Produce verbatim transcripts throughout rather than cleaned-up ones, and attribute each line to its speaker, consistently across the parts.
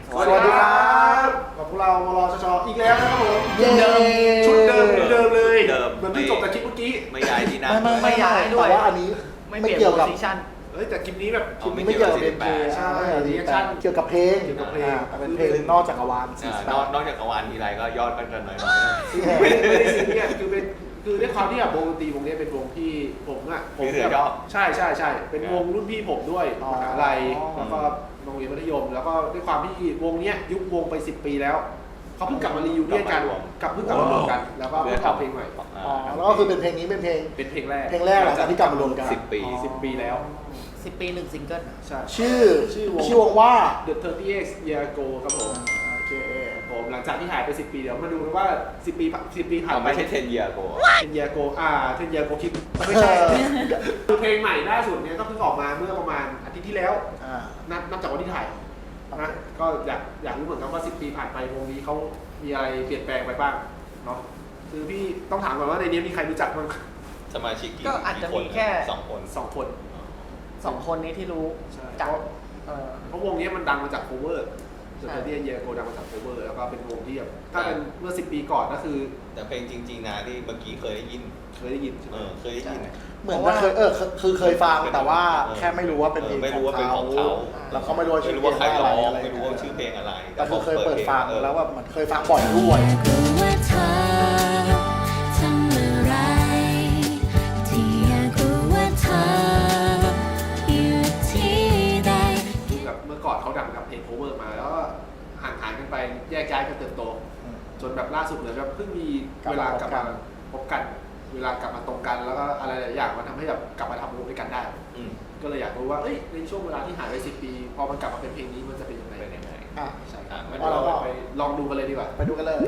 Speaker 1: สวัสดีครับกับพวกเรามรชชอีกแล้วนะครับผม
Speaker 2: เย้
Speaker 1: ชุดเดิมเดิมเลย
Speaker 3: เดิม
Speaker 1: เหมือนที่จบจากคลิปเมื่อกี้
Speaker 3: ไม่ย้ายที่นั่ง
Speaker 2: ไม่ไม่
Speaker 4: ไม่ย้ายด้วย
Speaker 2: แต่ว่าอันนี้
Speaker 4: ไม่
Speaker 2: ไม่
Speaker 4: เปลี่ยน
Speaker 2: เกี่ยว
Speaker 4: โพ
Speaker 2: กับ
Speaker 4: ซิชั่น
Speaker 1: เฮ้ยแต่คลิปนี้แบบ
Speaker 2: คลิปนี้ไม่เกี่ยวกับเพลง
Speaker 1: ใช่
Speaker 2: รี
Speaker 1: reaction
Speaker 2: เกี่ยวกับเพลง
Speaker 1: เกี่ยวกับเพลง
Speaker 2: อ่าแต่เป็นเพลงนอกจักรวาล
Speaker 3: อ่านอกนอกจากกวานทีไรก็ยอดก็จะน้อย
Speaker 1: ไม่ได้ไม่ได้ซีเรียสคือเป็นคือด้วยความที่แบบวงดนตรีวงนี้เป็นวงที่ผมอ่ะ
Speaker 3: ๆ
Speaker 1: ผม
Speaker 3: พี่เสือ
Speaker 1: แบบ
Speaker 3: ชอบ
Speaker 1: ใช่ใช่ใช่เป็นวงรุ่นพี่ผมด้วยมหาลัย
Speaker 2: อ๋อ
Speaker 1: แล้วก็โรงเรียนมัธยม แล้วก็ด้วยความที่วงเนี้ยยุบวงไปสิบปีแล้วเขาเพิ่งกลับมารียูเนียนกันกลับเพิ่งกลับมารวมกัน แล้วก็เพิ่งทำเพลงใหม่
Speaker 2: อ๋อแล้วก็คือเป็นเพลงนี้เป็นเพลง
Speaker 1: เป็นเพลงแรก
Speaker 2: เพลงแรกหลังจากที่กลับมารวมกัน
Speaker 3: สิบปี
Speaker 1: สิบปีแล้ว
Speaker 4: สิบปีหนึ่งซิงเกิล
Speaker 1: ใช่
Speaker 2: ชื่อ
Speaker 1: ชื่อวง
Speaker 2: ชื่อวงว่า
Speaker 1: The สามสิบ Year Ago ครับผม
Speaker 2: โอเค
Speaker 1: ผมหลังจากที่หายไปสิบปีเดี๋ยวมาดูกันว่าสิบปีสิบปีผ่าน
Speaker 3: เอา
Speaker 1: ไป
Speaker 3: ไม่ใช่เทนเยียโก
Speaker 1: เทนเยียโกอ่าเทนเยียโกคิดไม่ใช่คือเพลงใหม่ล่าสุดเนี้ยก็เพิ่งออกมาเมื่อประมาณอาทิตย์ที่แล้ว
Speaker 2: อ่า
Speaker 1: นับนับจากวันที่ถ่ายนะก็อยากอยากรู้เหมือนกันว่าสิบปีผ่านไปวงนี้เขามีอะไรเปลี่ยนแปลงไปบ้างเนาะคือพี่ต้องถามก่อนว่าในนี้มีใครรู้จักบ้าง
Speaker 3: สมาชิกกี่
Speaker 4: ก็อาจจะ
Speaker 3: กี่
Speaker 4: มีแค่
Speaker 3: สองคน
Speaker 1: สองคน
Speaker 4: สองคนนี้ที่รู้
Speaker 1: ใช่
Speaker 4: จาก
Speaker 1: เพราะ
Speaker 4: เออ
Speaker 1: เพราะวงนี้มันดังมาจาก cover
Speaker 4: ใช่
Speaker 1: The สามสิบ Year Ago ดังมาจาก cover แล้วก็เป็นวงที่แบบถ้าเป็นเมื่อสิบปีก่อนก็คือ
Speaker 3: แต่เพลงจริงๆนะที่เมื่อกี้เคยได้ยิน
Speaker 1: เคยได้ยินใช่ไห
Speaker 3: เอ
Speaker 1: ม
Speaker 3: อเคยได้ยิน
Speaker 2: เหมือนจะเคยเออคือคือเคยฟังแต่ว่าแค่ไม่รู้ว่าเป็นเพลง
Speaker 3: ไม่รู้ว่าเป็นของเขา
Speaker 2: แล้วก็ไม่รู้ว่า
Speaker 3: ไม่
Speaker 2: ชื่อ
Speaker 3: รู้
Speaker 2: เพล
Speaker 3: ว่าง ใคร
Speaker 2: ว่า
Speaker 3: ร้
Speaker 2: อะ
Speaker 3: อง
Speaker 2: ไร
Speaker 3: ไม่รู้ว่าชื่อเพลงอะไร
Speaker 2: แต่คือเคยเปิดฟัง
Speaker 3: ออ
Speaker 2: แล้วว่ามันเคยฟังบ่อยด้วย
Speaker 5: รู้ว่าเธอทำอะไรที่อยากรู้ว่าเธออยู่ที่ใด
Speaker 1: แบบเมื่อก่อนเขาดังกับเพลง cover มาแล้วก็ห่างหายกันไปแยกย้ายกันเติบโต
Speaker 2: อืม
Speaker 1: จนแบบล่าสุดเลยแบบเพิ่งมี
Speaker 2: กลับ
Speaker 1: เว
Speaker 2: มา
Speaker 1: ลากลับมา
Speaker 2: พบกัน
Speaker 1: พบกัน เวลากลับมาตรงกันแล้วก็อะไรหลายอย่างมันทำให้แบบกลับมาทำวงด้วยกันได้
Speaker 3: อืม
Speaker 1: ก็เลยอยากรู้ว่าเอ้ยในช่วงเวลาที่หายไปสิบปี พอมันกลับมาเป็นเพลงนี้มันจะเป็นยังไง
Speaker 3: เป็นยังไง
Speaker 2: อ่ะ
Speaker 1: ใช่
Speaker 3: อ่ะ
Speaker 1: งั้น
Speaker 2: เอาละ
Speaker 1: เราไปลองดูกันเลยดีกว่า
Speaker 2: ไปดูกันเลย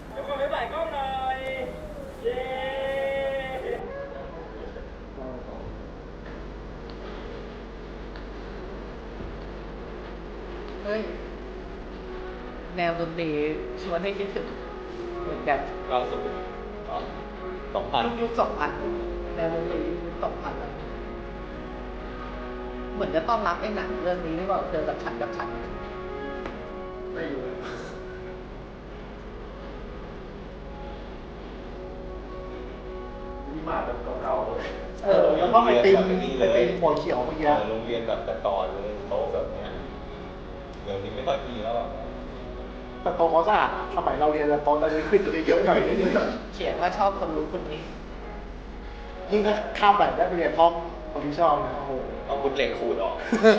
Speaker 4: เฮ้ย แนวดนตรีชวนให้คิดถึงเหมือนแบบ
Speaker 3: ก็สมมติสองพัน
Speaker 4: ยุคยุคสองพันแนวดนตรียุคสองพันเหมือนจะต้อนรับไอ้หนังเรื่องนี้หรือเปล่าเจอกับฉันกับฉัน
Speaker 1: ไม่รู้มีมาแบบเก่าๆเลย
Speaker 2: เออแล้วก็ไปตีมไปตีมหัวเขียวเมื่อกี้
Speaker 3: เออโรงเรียนแบบแต่ก่อนเลยโตะแบบเนี้ยเดี๋ยวนี้ไม่ค่อยมีแล้วอะ
Speaker 2: แต่โตเขาสะอาดสมัยเราเรียนแต่ตอนเราขึ้นตัวเยอะหน่อยนิดนึง
Speaker 4: เขียนว่าชอบคนรู้คนนี้
Speaker 2: ยิ่งถ้าข้ามไปได้ไปเรียนห้องคนที่ชอบนะโอ้โห
Speaker 3: เอาบุญเหล็กขูดออก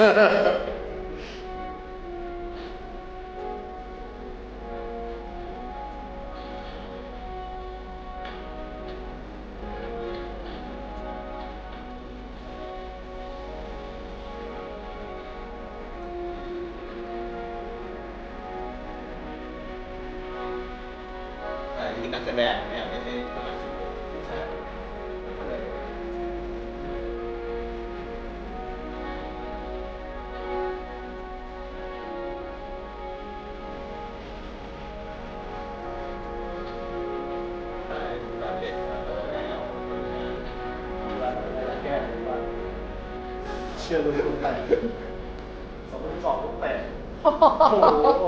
Speaker 3: อ่านี่นักแสดงเนี่ยไม่ใช่สมาชิกใช่ใช่ตอนเด็กก็แล้วคนงาน
Speaker 2: แก้ว่าเชื่อเลยลูกแตกสองพันสองลูกแตกโอ้โห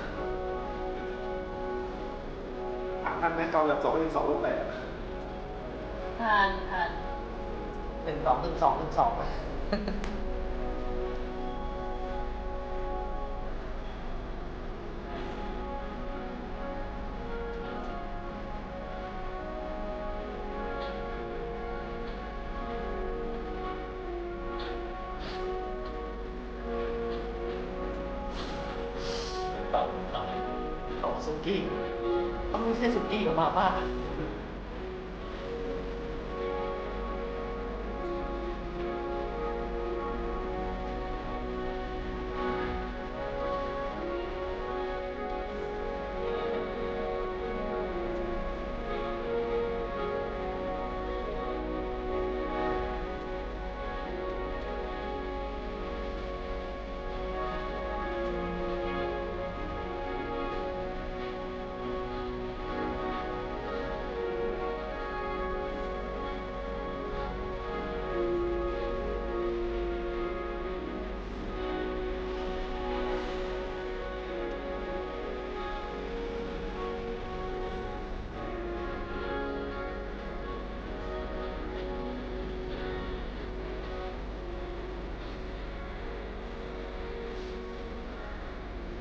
Speaker 2: ถามท่านไหมตอนแบบสองพันสองลูกแตก
Speaker 4: ทานทานหนึ่งสองหนึ่งสองหนึ่งสอง
Speaker 3: เต่าตาย
Speaker 4: ตองสุกี้ต้องไม่ใช่สุกี้กับมาม่า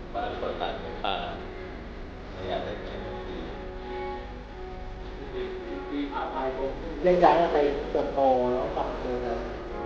Speaker 3: บ้านเปิดร้านในป่าไม่อยากได้แค่ดี
Speaker 2: แยกย้ายกันไปเติบโตแล้วกลับมาเจอกัน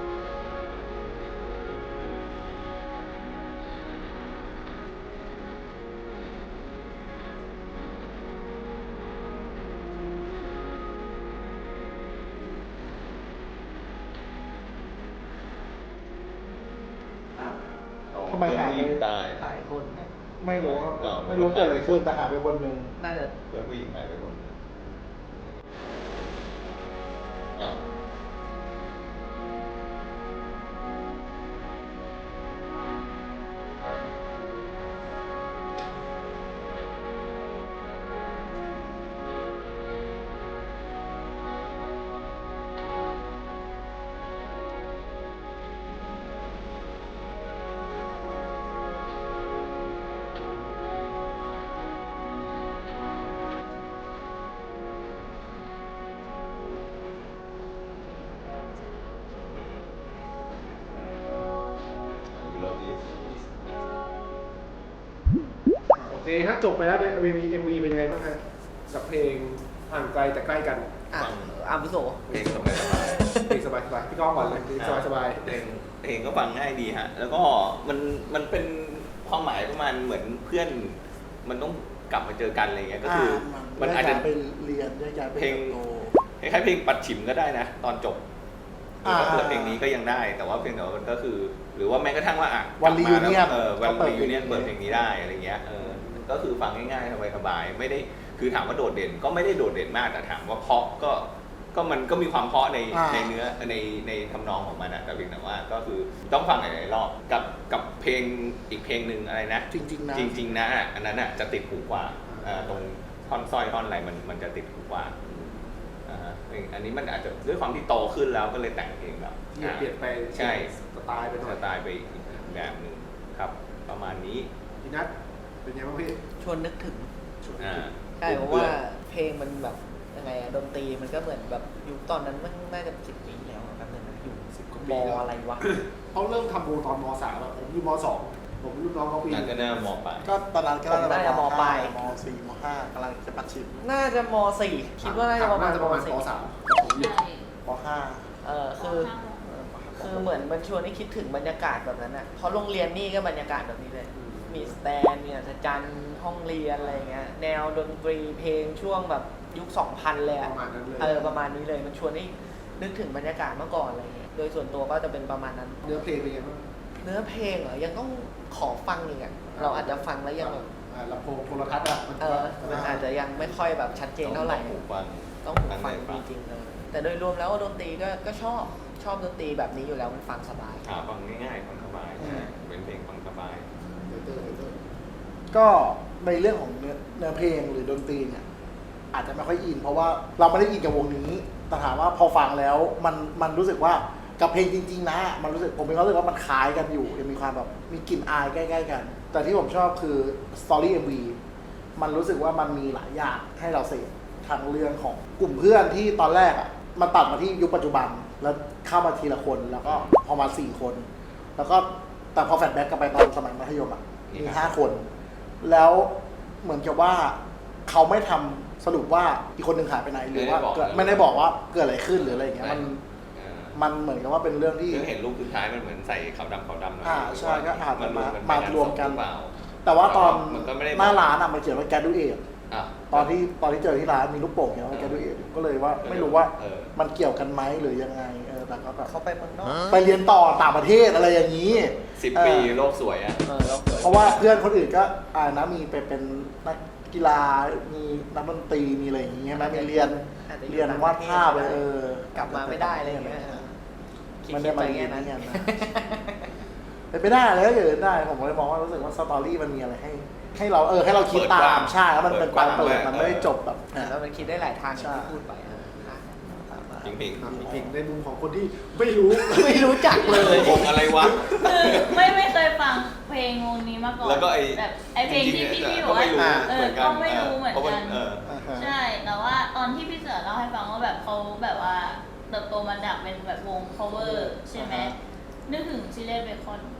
Speaker 2: ทำไมหายไป
Speaker 3: ตาย
Speaker 4: หลายคนนะ
Speaker 2: ไม่รู้ว่าไม่รู้เกิดอะไรขึ้นแต่หายไปคนหนึ่ง
Speaker 4: น่าจะ
Speaker 3: เพื่อนผู้หญิงหายไปคนหนึ่งอ้าว You love this
Speaker 1: โอเคฮะจบไปแล้วใน เอ็ม วี เอ็ม วี เป็นยังไงบ้างฮะกับเพลงห่างไกลแต่ใกล้กัน
Speaker 4: อ่ะอาวุโส
Speaker 3: เพลงสบายสบาย
Speaker 1: เพลงสบายๆพี่ก้องก่อนเลยเพลงสบาย
Speaker 3: เพลงเพลงก็ฟังง่ายดีฮะ แล้วก็มันมันเป็นความหมายประมาณเหมือนเพื่อน มันต้องกลับมาเจอกันอะไรเงี้ยก็คืออมันอาจจะ
Speaker 2: ไปเรียนแยกย้ายไป
Speaker 3: เพลง
Speaker 2: เติบโต
Speaker 3: คล้ายๆเพลงปัดฉิมก็ได้นะ ตอนจบ
Speaker 2: อ่า
Speaker 3: ถ้าเปิดเพลงนี้ก็ยังได้ แต่ว่าเพลงแต่ว่ามันก็คือ หรือว่าแม้กระทั่งว่าอ่ะ
Speaker 2: วัน
Speaker 3: กลับมาแล้
Speaker 2: reunion
Speaker 3: เออวัน
Speaker 2: ก็เปิด
Speaker 3: รียูเนียน
Speaker 2: เพลงนี้
Speaker 3: เปิดเพลงนี้ได้อะไรเงี้ยเออก็คือฟังง่ายๆสบายๆไม่ได้คือถามว่าโดดเด่นก็ไม่ได้โดดเด่นมากแต่ถามว่าเพราะก็ก็มันก็มีความเพราะใน
Speaker 2: อ่า
Speaker 3: ในเนื้อในในทำนองของมันอะแต่เพียงแต่ว่าก็คือต้องฟังหลายๆรอบกับกับเพลงอีกเพลงหนึ่งอะไรนะ
Speaker 2: จริงๆนะ
Speaker 3: จริงๆนะอ่ะอันนั้นอ่ะจะติดหูกว่าอ่าตรงท่อนสร้อยท่อนอะไรมันมันจะติดหูกว่าอ่าฮะอันนี้มันอาจจะด้วยความที่โตขึ้นแล้วก็เลยแต่งเพลงแบบ
Speaker 1: ๆเปลี่ยนเปลี่ยนไป
Speaker 3: ใช่
Speaker 1: สไตล์ไปหน่
Speaker 3: ส
Speaker 1: อย
Speaker 3: ไตล์ไปอีกแบบหนึ่งครับ ประมาณนี้
Speaker 1: พี่นัทเป็นยังไงบ้างพี่
Speaker 4: ชวนนึกถึง
Speaker 3: อ่า
Speaker 4: ใช่เพราะว่าเพลงมันแบบยังไงอะดนตรีมันก็เหมือนแบบยุคตอนนั้นมันน่าจะสิบปีแล้วอะแป๊บนึงนะอยู่
Speaker 1: สิบกว่า
Speaker 4: ม
Speaker 1: ปีแล้ว
Speaker 4: อะไรวะ
Speaker 1: เขาเริ่มทำวงตอนมสามอะผมอยู่มสองผมรุ่นน้องเขาปี
Speaker 3: นั่นก็น่ามองไป
Speaker 2: ก็ตอนนั้นก็
Speaker 4: ผมน่าจะมปลาย
Speaker 2: มสี่มห้ากำลังจะปัดชิม
Speaker 4: น่าจะมสี่คิดว่าน่าจะประมาณ
Speaker 1: น่าจะประมาณ
Speaker 4: สี่
Speaker 1: ปสามแต่ผมอยู่
Speaker 2: มห้า
Speaker 4: เออคือคือเหมือนมันชวนให้คิดถึงบรรยากาศแบบนั้นอ่ะเพราะโรงเรียนนี่ก็บรรยากาศแบบนี้เลย มีสแตนมีอัศจรรย์ห้องเรียนอะไรเงี้ยแนวดนตรีเพลงช่วงแบบยุคสองพันเลยอะ
Speaker 1: ประมาณนั้นเลย
Speaker 4: เออประมาณนี้เลยมันชวนให้นึกถึงบรรยากาศเมื่อก่อนอะไรเงี้ยโดยส่วนตัวก็จะเป็นประมาณนั้น
Speaker 1: เนื้อเพลงเป็นยังไงบ้าง
Speaker 4: เนื้อเพลงเหรอยังต้องขอฟังอีกอ่ะเราอาจจะฟังแล้วยังแบบ
Speaker 1: อ่าลำโพงโทรทัศน์อะมัน
Speaker 4: เออมันอาจจะยังไม่ค่อยแบบชัดเจนเท่าไหร่
Speaker 3: ต้องหูฟัง
Speaker 4: ต้องหูฟังจริงๆเลยแต่โดยรวมแล้วดนตรีก็ก็ชอบชอบดนตรีแบบนี้อยู่แล้วมันฟังสบาย
Speaker 3: หาฟังง่ายๆฟังสบายเป็นเพลงฟังสบาย
Speaker 2: ก็ในเรื่องของเนื้อเนื้อเพลงหรือดนตรีเนี่ยอาจจะไม่ค่อยอิน เพราะว่าเราไม่ได้อินกับวงนี้แต่ถามว่าพอฟังแล้วมันมันรู้สึกว่ากับเพลงจริงๆนะมันรู้สึกผมมีความรู้สึกว่ามันคล้ายกันอยู่ยังมีความแบบมีกลิ่นอายใกล้ๆกัน แต่ที่ผมชอบคือสตอรี่ เอ็ม วี มันรู้สึกว่ามันมีหลายอย่างให้เราเสพทางเรื่องของกลุ่มเพื่อนที่ตอนแรกอ่ะมันตัดมาที่ยุคปัจจุบันแล้วเข้ามาทีละคนแล้วก็พอมาสี่คน แล้วก็แต่พอแฟลชแบ็กกลับไปตอนสมัยมัธยมอ่ะมีห้าคน แล้วเหมือนกับว่าเขาไม่ทำสรุปว่าอีกคนหนึ่งหายไปไหนหรือว่าเกิดไม่ได้บอกว่าเกิดอะไรขึ้นหรืออะไรอย่างเงี้ยมัน
Speaker 3: เออ
Speaker 2: มันเหมือนกับว่าเป็นเรื่องที่
Speaker 3: คือเห็นรูปสุดท้ายมันเหมือนใส่ขาวดำขาวดำหน่อย
Speaker 2: อ่าใช่ก็อาจจะมาม
Speaker 3: น
Speaker 2: มารวมกัน
Speaker 3: หรือเปล่า
Speaker 2: แต่ว่าตอน
Speaker 3: มันก็ไม่ได้
Speaker 2: หน้าร้านอ่ะมันเขียนว่าแกดูเอท
Speaker 3: อ่ะ
Speaker 2: ตอนที่ตอนที่เจอที่ร้านมีลูกโป่งเขียนว่าแกดูเอทก็เลยว่าไม่รู้ว่า
Speaker 3: เออ
Speaker 2: มันเกี่ยวกันไหมหรือยังไงเออแต่ก็แบบ
Speaker 4: เขาไปเมืองนอก
Speaker 2: ไปเรียนต่อต่างประเทศอะไรอย่างนี้
Speaker 3: สิบ
Speaker 2: เออ
Speaker 3: ปีโลกสวยอ่ะ
Speaker 4: เออเราเกิด
Speaker 2: เพราะว่าเพื่อนคนอื่นก็อ่านะมีไปเป็นนักกีฬา มีนักดนตรี มีอะไรอย่างงี้ใช่ไหมมีเรียน
Speaker 4: อาจจะอยู่
Speaker 2: เรียนวาดภาพเลยเออก
Speaker 4: ลับมาไม่ได้อะไรอย่างเงี้ย
Speaker 2: มันได้มา
Speaker 4: คิ
Speaker 2: เรีย
Speaker 4: ๆ
Speaker 2: น
Speaker 4: ป
Speaker 2: นี่
Speaker 4: งั้
Speaker 2: กันนะเป็นไปได้เลยก็เกิดได้ ผมเลยมองว่ารู้สึกว่าสตอรี่มันมีอะไรให้ ให้เราเออให้เราคิดตามใช่แล้วมันเป็นการเปิดมันไม่ได้จบแบบ
Speaker 4: แล้วมันคิดได้หลายทางอย่าง
Speaker 2: ใช่
Speaker 4: ที่พูดไปเอออ่ะ
Speaker 3: จริง
Speaker 1: ครับจริงๆในมุมของคนที่ไม่รู้
Speaker 4: ไม่รู้จักเลย
Speaker 3: ๆวงอะไรวะ
Speaker 6: คือไม่ไม่เคยฟังเพลงวงนี้มาก่อน
Speaker 3: แล้วก็ไอ้
Speaker 6: แบบไอเพลงที่พี่พี่บ
Speaker 3: ก็
Speaker 6: อก
Speaker 3: ไม่
Speaker 6: ว่า
Speaker 3: รู้
Speaker 6: เอ
Speaker 3: เห
Speaker 6: อ
Speaker 3: มือนกัน
Speaker 6: ก็ไม่รู้เหมือน
Speaker 3: พราะ
Speaker 6: กัน
Speaker 3: เออ
Speaker 2: อ่าฮะ
Speaker 6: ใช่แต่ว่าตอนที่พี่เสือเล่าให้ฟังว่าแบบเขาแบบว่าเติบโตมาจากเป็นแบบวง cover ใช่ไหมนึกถึงชิเล่เบคอน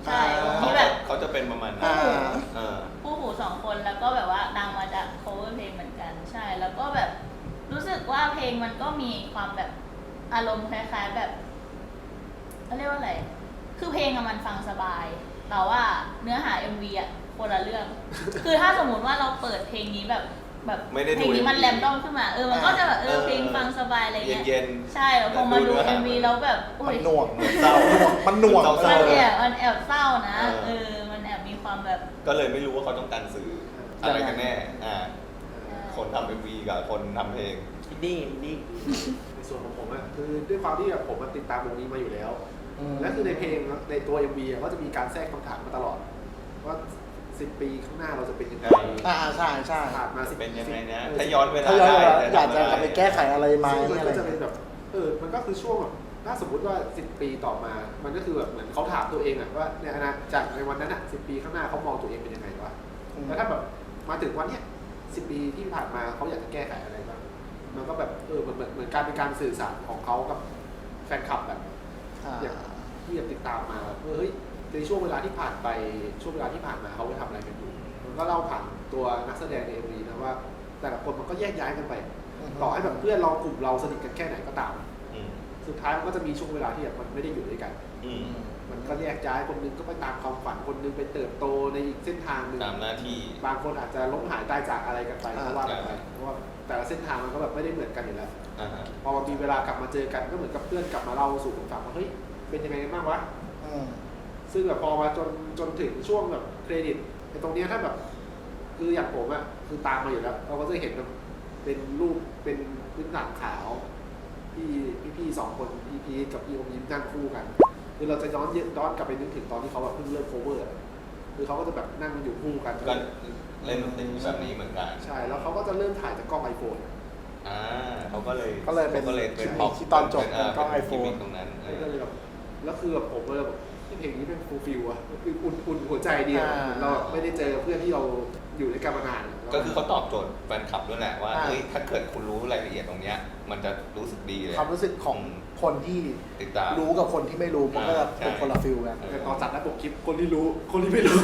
Speaker 6: ใช่
Speaker 2: อ่า
Speaker 6: ที่แบบ
Speaker 3: เขาจะเป็นประมาณนั้น
Speaker 2: อ่า
Speaker 3: เออ
Speaker 6: คู่หูสองคนแล้วก็แบบว่าดังมาจาก cover เพลงเหมือนกันใช่ แล้วก็แบบรู้สึกว่าเพลงมันก็มีความแบบอารมณ์คล้ายๆแบบเขาเรียกว่าอะไรคือเพลงอะมันฟังสบายแต่ว่าเนื้อหา เอ็ม วี อะคนละเรื่อง คือถ้าสมมติว่าเราเปิดเพลงนี้แบบแบบ
Speaker 3: ไม่ได้ดู
Speaker 6: เพลงนี้มัน
Speaker 3: เอ็มวี
Speaker 6: แรมดอมขึ้นมาเออมันก็จะแบบเออ
Speaker 3: เออ
Speaker 6: เพลงฟังสบายอะไรเงี้ย
Speaker 3: เย็นๆ
Speaker 6: ใช่แล้วพอมาดู
Speaker 3: แต่ดูเนื้อหา
Speaker 6: เอ็ม วีแล้วแบบอุ้
Speaker 2: มั
Speaker 6: ย
Speaker 2: นหน่วง
Speaker 3: เศร้า
Speaker 2: มันหน่วง
Speaker 3: เศร้า
Speaker 6: มันแอบมันแอบเศร้านะ
Speaker 3: เออ
Speaker 6: เออ มันแอบมีความแบบ
Speaker 3: ก็เลยไม่รู้ว่าเขาต้องการสื่ออะไรกันแน่อ่าคนทำเอ็มวีกับคนทำเพลง
Speaker 4: อินดี้อินดี้
Speaker 1: ในส่วนของผมอะคือด้วยความที่แบบผมมันติดตามวงนี้มาอยู่แล้ว
Speaker 2: อืม
Speaker 1: และคือในเพลงในตัว เอ็ม วี อะก็จะมีการแทรกคำถามมาตลอด ว่าสิบปีข้างหน้าเราจะเป็นยังไง
Speaker 2: อ่าใช่ใช่
Speaker 1: ผ่านมาสิบ
Speaker 3: เป็นยังไงนะ
Speaker 1: เออ
Speaker 3: ถ้าย้อนเวลา
Speaker 2: ถ้าย้อน
Speaker 3: ได้
Speaker 2: เวลา
Speaker 3: จะ
Speaker 2: อยาก
Speaker 3: ทำ
Speaker 2: จะ
Speaker 3: อะไร
Speaker 2: กลับไปแก้ไขอะไรไหม
Speaker 1: ซึ่งมัน
Speaker 2: อะไร
Speaker 1: ก็จะเป็นแบบเออมันก็คือช่วงแบบถ้าสมมติว่าสิบปีต่อมา มันก็คือแบบเหมือนเขาถามตัวเองอะว่าในอนาคตจากในวันนั้นอะสิบปีข้างหน้าเขามองตัวเองเป็นยังไงวะ
Speaker 2: อืม
Speaker 1: แล้วถ้าแบบมาถึงวันเนี้ยสิบปีที่ผ่านมาเขาอยากจะแก้ไขอะไรบ้างมันก็แบบเออเหมือนเหมือนเหมือนการเป็นการสื่อสารของเขากับแฟนคลับแบบ
Speaker 2: อ่า
Speaker 1: อย่างที่ยังติดตามมาว่าเฮ้ยในช่วงเวลาที่ผ่านไปช่วงเวลาที่ผ่านมาเขาไปทำอะไรกันอยู่มันก็เล่าผ่านตัวนักแสดงในเอ็มวีนะว่า แต่ละคนมันก็แยกย้ายกันไป
Speaker 2: อือฮึ
Speaker 1: ต่อให้แบบเพื่อนเรากลุ่มเราสนิทกันแค่ไหนก็ตาม
Speaker 3: อืม
Speaker 1: สุดท้ายมันก็จะมีช่วงเวลาที่แบบมันไม่ได้อยู่ด้วยกัน
Speaker 3: อืม
Speaker 1: มันก็แยกย้ายคนนึงก็ไปตามความฝันคนนึงไปเติบโตในอีกเส้นทางหนึ่ง
Speaker 3: ตามหน้าที่
Speaker 1: บางคนอาจจะล้มหายตายจากอะไรกันไป
Speaker 2: อ่า
Speaker 1: ก็ว่ากันไปเพราะว่าแต่ละเส้นทางมันก็แบบไม่ได้เหมือนกันอยู่แล้ว
Speaker 3: อ่าฮะ
Speaker 1: พอมันมีเวลากลับมาเจอกันก็เหมือนกับเพื่อนกลับมาเล่าสู่กันฟังว่าเฮ้ยเป็นยังไงกันบ้างวะ
Speaker 2: อืม
Speaker 1: ซึ่งแบบพอมาจนจนถึงช่วงแบบเครดิตไอ้ตรงเนี้ยถ้าแบบคืออย่างผมอะคือตามมาอยู่แล้วเราก็จะเห็นแบบเป็นรูปเป็นพื้นหลังขาวพี่พี่พี่ๆสองคนพี่พีทกับพี่อมยิ้มนั่งคู่กัน คือเราจะย้อนย้อนกลับไปนึกถึงตอนที่เขาแบบเพิ่งเริ่มโคเวอร์อะคือเขาก็จะแบบนั่งอยู่คู่กัน
Speaker 3: ก็เล่นดนตรีแบบนี้เหมือนกัน
Speaker 1: ใช่แล้วเขาก็จะเริ่มถ่ายจากกล้องไอโฟน
Speaker 3: อ่าเขาก็เลย
Speaker 2: ก็เลยเป็น
Speaker 3: ขาก็เลยเป็น
Speaker 2: ที่
Speaker 3: พอ
Speaker 2: ที่ตอนจบ
Speaker 3: เป็
Speaker 2: เป็นกล้อง
Speaker 3: เป็
Speaker 2: iPhone
Speaker 3: กิมมิคตรงนั้นเออ
Speaker 1: ก็เลยแบบแล้วคือแบบผมเลยแบบเพลงนี้เป็นฟูลฟิลอะคืออุ่นอุ่นหัวใจดีอะ
Speaker 2: อ่า
Speaker 1: เหมือนเราไม่ได้เจอเพื่อนที่เราอยู่ด้วยกันมานาน
Speaker 3: ก็คือเขาตอบโจทย์แฟนคลับด้วยแหละว่า
Speaker 2: อ่า
Speaker 3: เฮ้ยถ้าเกิดคุณรู้รายละเอียดตรงเนี้ย มันจะรู้สึกดีเลย
Speaker 2: ความรู้สึกของคนที่
Speaker 3: ติดตาม
Speaker 2: รู้กับคนที่ไม่รู้มันก็จะเป็นคนละฟิลกัน
Speaker 1: แต่ตอนจัดหน้าปกคลิปคนที่รู้คนที่ไม่รู้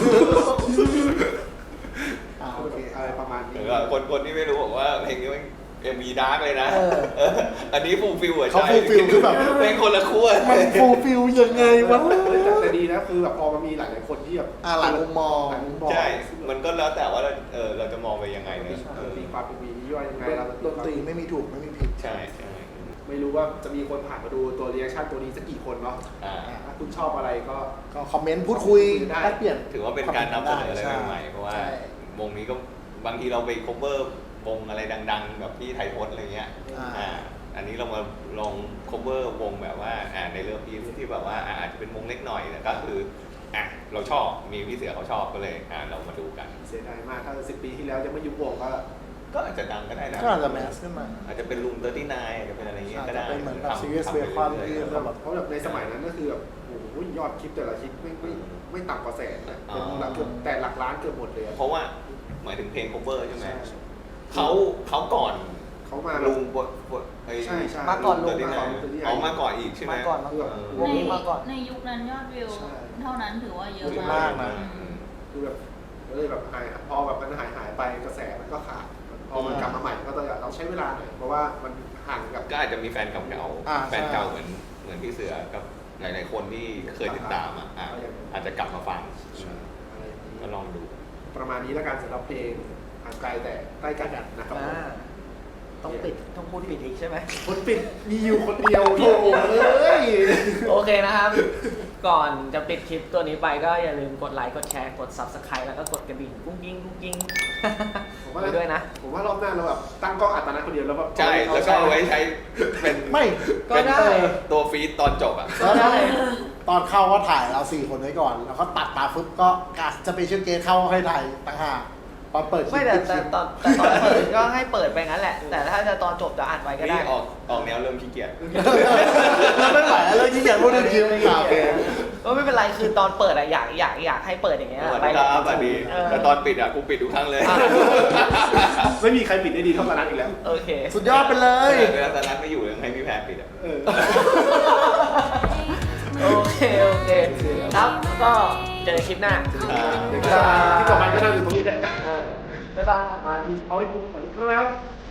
Speaker 2: อ่าโอเค
Speaker 1: อะไรประมาณ
Speaker 3: ห
Speaker 1: นี้
Speaker 3: รือว่าคนคนที่ไม่รู้บอกว่าเพลงนี้มันเอ็มวีดาร์กเลยนะ
Speaker 2: เออ
Speaker 3: เอออันนี้ฟูลฟิลอะ
Speaker 2: เขา
Speaker 3: ใช่
Speaker 2: fulfill คือแบบ
Speaker 3: เพลงคนละขั้ว
Speaker 2: มันฟูลฟิลยังไงวะ
Speaker 1: แต่แต่ดีนะคือแบบพอมันมีหลายๆคนที่แบบ
Speaker 2: อ่าหลายมุมมอง
Speaker 1: หลายมุมมอง
Speaker 3: ใช่ มันก็แล้วแต่ว่าเราเออเราจะมองไปยังไง
Speaker 1: มี
Speaker 3: เนี่ยเออ
Speaker 1: มีความเป็นมีย่อยยังไงเรา
Speaker 2: ดนตรีไม่มีถูกไม่มีผิด
Speaker 3: ใช่ใช่
Speaker 1: ไม่รู้ว่าจะมีคนผ่านมาดูตัวรีแอคชั่นตัวนี้สักกี่คนเนาะ
Speaker 3: อ่า
Speaker 1: ถ้าคุณชอบอะไรก็
Speaker 2: ก็คอมเมนต์พูดคุย
Speaker 1: ได้
Speaker 2: แลกเปลี่ยน
Speaker 3: ถือว่าเป็นการนำเสนออะไร
Speaker 2: ใช่
Speaker 3: ใหม่ๆเพราะว่า
Speaker 2: ใช่
Speaker 3: วงนี้ก็บางทีเราไป cover วงอะไรดังๆแบบพี่ไทยพจน์อะไรเงี้ย
Speaker 2: อ่า
Speaker 3: อ่าอันนี้เรามาลอง cover วงแบบว่าอ่าในเรื่องพีที่แบบว่าอ่าอาจจะเป็นวงเล็กหน่อยแต่ก็คืออ่ะเราชอบมีพี่เสือเขาชอบก็เลยอ่าเรามาดูกัน
Speaker 1: เสียดายมากถ้าสิบปีที่แล้วยังไม่ยุบวงก็
Speaker 3: ก็อาจจะดังก็ได้นะ
Speaker 2: ก็อาจจะแมสขึ้นมา
Speaker 3: อาจจะเป็นลุงเตอร์ตี้นายอาจจะเป็นอะไรเงี้ย
Speaker 2: อาจ
Speaker 3: ก็
Speaker 2: จะ
Speaker 3: ได้
Speaker 2: เป็นเหมือนแบบ
Speaker 3: ทำ
Speaker 2: serious
Speaker 3: ทำไป
Speaker 2: bacon
Speaker 3: รื่อยๆ
Speaker 2: ที่
Speaker 3: ครับ
Speaker 2: แบบ
Speaker 1: เพราะแบบในสมัยนั้นก็คือแบบโอ้โหยอดคลิปแต่ละคลิปไม่ไม่ไม่ต่ำกว่าแสนนะเป็นหลักเกือบแต่หลักล้านเกือบหมดเลยอะ
Speaker 3: เพราะว่าหมายถึงเพลง cover ใช่ไหม
Speaker 1: ใช่
Speaker 3: เขาเขาก่อน
Speaker 1: เขามา
Speaker 3: ลุงบทบทไอ้
Speaker 1: ใช่ใช่
Speaker 4: มาก่อนลุง
Speaker 3: เตอร์ตี้นายเอามาก่อนอีกใช่ไหม
Speaker 2: มาก่อนมาก่อน
Speaker 3: เออ
Speaker 2: วงนี้มาก่อน
Speaker 6: ในยุคนั้นยอดวิว
Speaker 1: ใช่
Speaker 6: เท่านั้นถือว่าเยอะ
Speaker 2: เยอะ
Speaker 6: มาม
Speaker 2: าก กนะ
Speaker 6: อืม
Speaker 1: คือแบบก็เลยแบบหายพอแบบมันหายหายไปกระแสมันก็ขาดพอมันกลับมาใหม่ก็จะเราใช้เวลาหน่อยเพราะว่ามันห่างกับ
Speaker 3: ก็อาจจะมีแฟนเก่า
Speaker 2: อ่า
Speaker 3: ๆแฟนเก่าเหมือนเหมือนพี่เสือกับหลาย ๆ คนที่เคยติดตามอ่ะอ่ะอาจจะกลับมาฟัง
Speaker 1: อะไรอย่างนี้
Speaker 3: ก็ลองดู
Speaker 1: ประมาณนี้แล้วกันสำหรับเพลงห่างไกลแต่ใกล้กันนะครับผม
Speaker 4: อ่าต้องปิดต้องพูดปิดอีกใช่ไหม
Speaker 1: คนปิดมีอยู่คนเดียวโถ่เอ้ย
Speaker 4: โอเคนะครับ ก่อนจะปิดคลิปตัวนี้ไปก็อย่าลืมกดไลค์ กดแชร์ กด ซับสไครบ์ แล้วก็กดกระดิ่งกุ้งกิ้งกุ้งกิ้ง
Speaker 1: ผมว่า
Speaker 4: ไปด้วยนะ
Speaker 1: ผมว่ารอบหน้าเราแบบตั้งกล้องอัตโนมัติคนเดียวแล้วแบบ
Speaker 3: ใช่ แล้วก็เอาไว้ใช้เป็น
Speaker 2: ไม่
Speaker 4: ก็ได้
Speaker 3: เป็นตัวฟีดตอนจบอ่ะ
Speaker 2: แล้วได้ตอนเข้าก็ถ่ายเราสี่คนไว้ก่อน แล้วก็ตัดมาปุ๊บก็กัสจะไปเชื่อเกสเข้าให้ถ่ายต่างหากตอนเปิดคลิป
Speaker 4: ไม่แต่
Speaker 2: ปิดค
Speaker 4: แต่
Speaker 2: ลิป
Speaker 4: ตอนแต่ตอนเปิดก็ให้เปิดไปงั้นแหละ แต่ถ้าจะตอนจบจะอัดไว้ก็ได้
Speaker 3: นี่ออกออกแนวเริ่มขี้เกียจ
Speaker 2: แล้วไม่ไหวแล้วที่อยากพูดถึงคลิปข่าวเอง
Speaker 4: ก็ไม่เป็นไรคือตอนเปิดอะอยากอยากอยากให้เปิดอย่างเงี้ย
Speaker 3: สวัส
Speaker 4: ไป
Speaker 3: ดีครับสวัสดี
Speaker 4: เออ
Speaker 3: แต่ตอนปิดอ่ะกูปิดทุกครั้งเลย
Speaker 4: อ่ะ
Speaker 1: ไม่มีใครปิดได้ดีเท่ากันนั้นอีกแล้ว
Speaker 4: โอเค
Speaker 2: สุดยอดไปเลย
Speaker 3: เวลาตอนนั้นไม่อยู่ยังให้พี่แพรปิดอ่ะ
Speaker 1: เออ
Speaker 4: โอเค โอเค ครับก็คลิปหน้า
Speaker 3: อ่า
Speaker 1: เดี๋ยวก็ที่ต่อไปก็นั่งอยู่ตรงนี้แหละ
Speaker 4: เออบ๊ายบาย
Speaker 1: มาเอาให้คุ้มเหมือนแล้ว